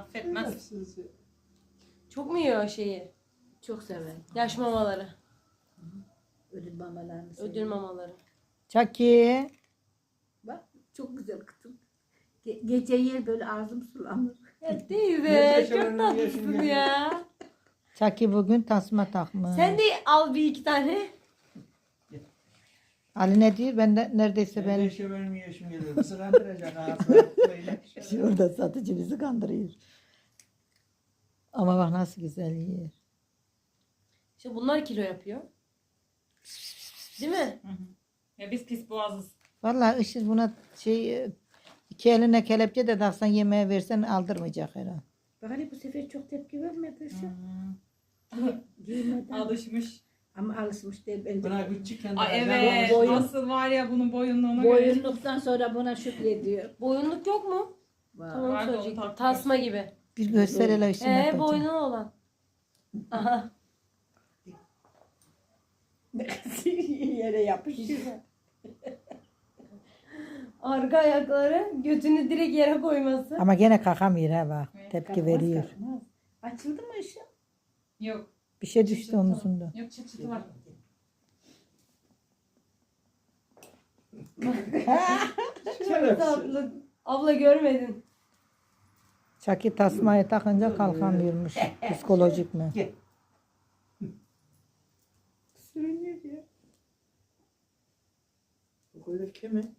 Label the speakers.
Speaker 1: Affetmez.
Speaker 2: Çok mu yiyor şeyi?
Speaker 3: Çok sever.
Speaker 2: Yaş mamaları.
Speaker 3: Ödül mamalarını sever.
Speaker 2: Ödül mamaları.
Speaker 4: Çaki.
Speaker 3: Bak çok güzel kızım. Gece yer böyle ağzım sulanır.
Speaker 2: Ya teyze
Speaker 5: Neyse,
Speaker 2: çok
Speaker 5: şöyle
Speaker 2: tatlısın
Speaker 5: yaşın
Speaker 2: ya.
Speaker 4: Çaki bugün tasma takmış.
Speaker 2: Sen de al bir iki tane.
Speaker 4: Ali ne diyor? Ben de neredeyse
Speaker 5: Ben
Speaker 4: ben
Speaker 5: işte benim yaşım geliyor. Nasıl kandıracak ağzına?
Speaker 4: şurada satıcı bizi kandırıyor. Ama bak nasıl güzel yiyor.
Speaker 2: İşte bunlar kilo yapıyor. Değil mi?
Speaker 1: Ya biz pis boğazız.
Speaker 4: Vallahi Işıl buna iki eline kelepçe de taksan yemeğe versen aldırmayacak herhalde.
Speaker 3: Bak hani bu sefer çok tepki vermedi şu. Giymeden.
Speaker 1: Alışmış.
Speaker 3: Ama alışmış değil bence.
Speaker 5: Buna küçükken de
Speaker 1: Ay
Speaker 5: acayip
Speaker 1: evet.
Speaker 5: olmuş.
Speaker 1: Nasıl var ya bunun boyunluğuna göre.
Speaker 3: Boyunluktan sonra buna şükrediyor.
Speaker 2: Boyunluk yok mu?
Speaker 3: Vay.
Speaker 2: Tamam
Speaker 1: Vardı, onu
Speaker 2: söyleyecektim.
Speaker 1: takmıyoruz.
Speaker 2: Tasma gibi.
Speaker 4: Bir göster hele Işıl. ne takacak.
Speaker 2: Boynuna olan. Aha.
Speaker 3: Yere yapışıyor.
Speaker 2: Arka ayakları götünü direkt yere koyması.
Speaker 4: Ama gene kalkamıyor ha bak.
Speaker 1: Evet,
Speaker 4: Tepki veriyor.
Speaker 3: Kalkmaz. Açıldı mı ışık?
Speaker 1: Yok.
Speaker 4: Bir şey düştü omuzunda.
Speaker 1: Yok çıt çıtı var.
Speaker 2: Çok tatlı. Abla görmedin.
Speaker 4: Çaki tasmayı takınca kalkamıyormuş. Psikolojik mi?
Speaker 3: Sürünüyor ya.
Speaker 5: Bu koyda kime?